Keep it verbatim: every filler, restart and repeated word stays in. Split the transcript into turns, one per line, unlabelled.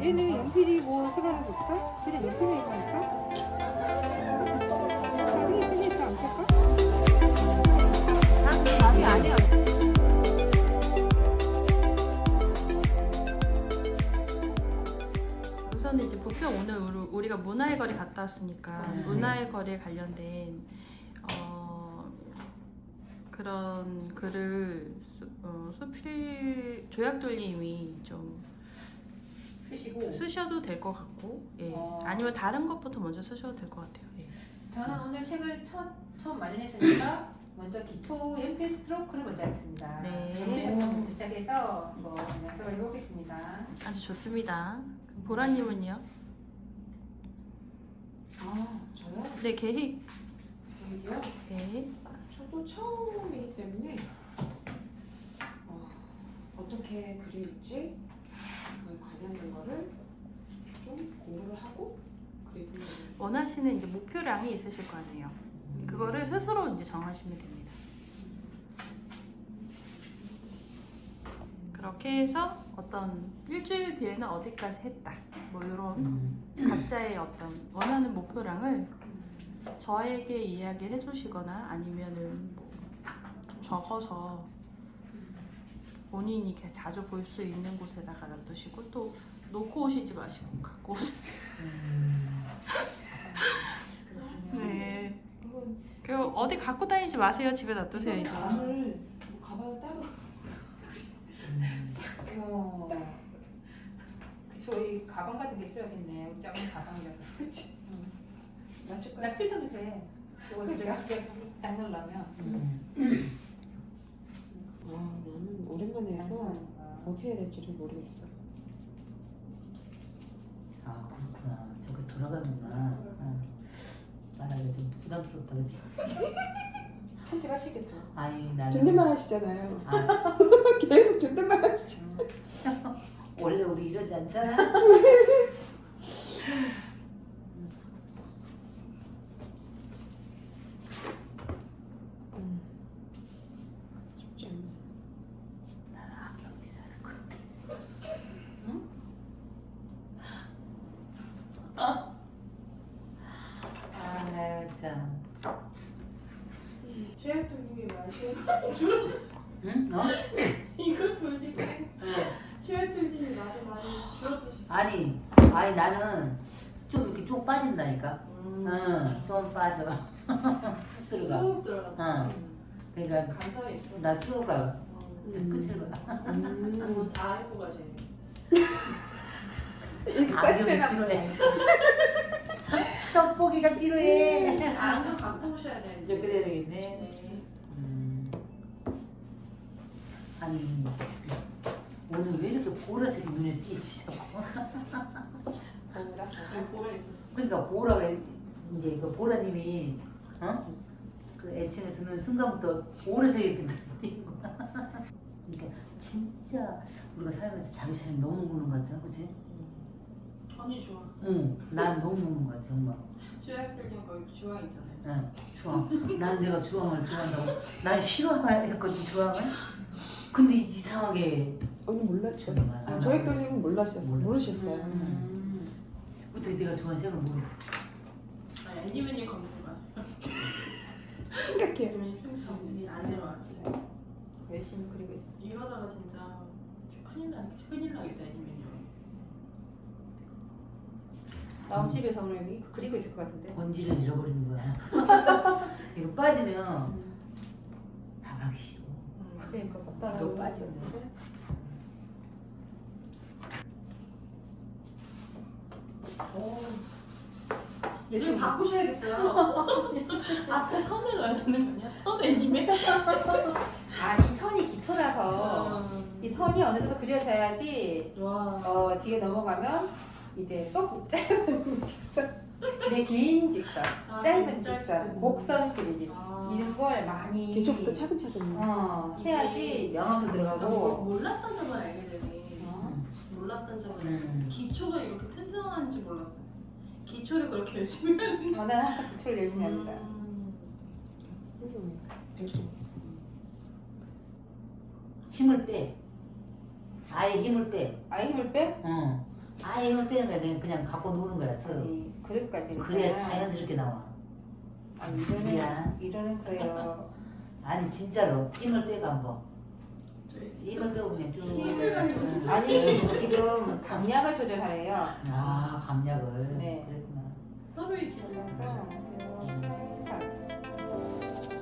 얘는 연필이 뭐 생각해 볼까? 그냥 연필로 할까? 답이 있으니까 안 쓸까? 답이 아니야.
우선은 이제 부평 오늘 우리- 우리가 문화의 거리 갔다 왔으니까
네.
문화의 거리에 관련된 어, 그런 글을 수, 어, 수필 조약돌림이 좀
쓰시고
쓰셔도 될 것 같고, 예.
어.
아니면 다른 것부터 먼저 쓰셔도 될 것 같아요. 예.
저는 오늘 책을 첫, 처음 마련했으니까 먼저 기초 연필 스트로크를 먼저 하겠습니다.
네.
연필 작품부터 시작해서 뭐 연습을 해보겠습니다.
아주 좋습니다. 그럼 보라님은요?
아, 저요?
네, 계획.
계획이요?
네.
저도 처음이기 때문에 어, 어떻게 그릴지 그거에 관련된 거를 좀 공부를 하고 그리고
원하시는 이제 목표량이 있으실 거 아니에요. 그거를 스스로 이제 정하시면 됩니다. 그렇게 해서 어떤 일주일 뒤에는 어디까지 했다. 뭐 이런 각자의 어떤 원하는 목표량을 저에게 이야기를 해주시거나 아니면은 뭐 좀 적어서 본인이 이렇게 자주 볼 수 있는 곳에다가 놔두시고 또 놓고 오시지 마시고 갖고 오세요. 네.
한번
그 어디 갖고 다니지 마세요. 집에 놔두세요 이제.
가방을 뭐 가방을 따로
어. 그쵸, 이 가방 같은 게 필요하겠네. 우리 작은 가방이라서.
그렇지 맞출
나
거야.
필터도 필요해. 이거 내가 그게 딱 넣으려면.
와 나는 오랜만에 해서 어떻게 해야 될지를 모르겠어.
아 그렇구나. 저거 돌아가는구나. 어. 말하기가 좀 부담스럽다 그치?
편집 하시겠죠?
아니 나는
존댓말 하시잖아요.
아,
계속 존댓말 하시죠.
원래 우리 이러지 않잖아?
음. 쉽지 않네.
나는 악경 있어야 될 것 같아. 아 참.
최약돌림이 마시는
응? 어?
이거 돌리고
어.
최약돌림이 말을 많이 줄어드셨어요.
아니, 아니 나는 좀 이렇게 쭉 빠진다니까. 응, 좀 빠져. 쑥 들어가.
쑥 들어가.
응. 그러니까
감성이 있어.
나 쭉 가.
음.
끝을 봐.
음. 다 알고 가세요.
안경이 필요해. 떡볶이가 필요해.
안경 갖고 오셔야 돼.
이제 그래야 되겠네.
네.
음. 아니 오늘 왜 이렇게 보라색이 눈에 띄지 자꾸?
보라. 보라 있었어.
그러니까 보라가 이제 그 보라님이 어? 그 애칭을 듣는 순간부터 보라색이 눈에 띄는 거야. 그러니까 진짜 우리가 살면서 자기 차례 너무 먹는 것 같아, 그치?
언니 좋아.
응, 난 너무 먹는 것 같아 정말.
최약돌림 거기 주황 있잖아요.
응, 주황. 난 내가 주황을 좋아한다고. 난 싫어했거든 주황을. 근데 이상하게
언니 몰랐죠?
정말.
아, 저희 또님은 몰랐었어.
몰랐어.
모르셨어요.
음. 어떻게 내가 좋아하는 색을 모르겠어.
아니 애니메니 검색 마세요.
심각해요.
애니메니 평소에 안 내려왔어요.
열심히 그리고 있어.
이러다가 진짜 큰일 나 큰일 나겠어 애니메니.
나 오늘 집에서 오늘 여기 그리고 있을 것 같은데.
본질을 잃어버리는 거야. 이거 빠지면 다 가기 싫어.
그러니까 오빠랑
너 빠져.
오. 얘를 바꾸셔야겠어요. 앞에 선을 넣어야 되는 거냐? 선 애니메?
아니 선이 기초라서
음.
이 선이 어느 정도 그려져야지
와.
어 뒤에 넘어가면 이제 또 짧은 직선, 그냥 긴 직선,
아,
짧은
짧은.
직선, 곡선 그리기
아.
이런 걸 많이
기초부터 차근차근.
어 해야지 명암도
그러니까 뭐
들어가고.
몰랐던 점을 알게 되네.
어?
몰랐던 점을
음.
기초가 이렇게 튼튼한지 몰랐어요. 기초를 그렇게 열심히 하는.
어, 난 항상 기초를 열심히 합니다.
음.
훌륭해. 배좀 있어.
힘을 빼. 아예 힘을 빼.
아예 힘을 빼?
어. 아예 힘을 빼는 거야. 그냥, 그냥 갖고 노는 거야. 서로.
아니 그릇까지
그래야 자연스럽게 나와.
아 이러는
미안.
이러는 그래요.
아니 진짜로 힘을 빼고 한번.
저희
힘을 빼고 그냥 쭉.
힘을 가지고 싶어.
아니 지금 강약을 조절하래요.
아 감약을.
네.
그랬구나.
서로의 기분.
그래서 살살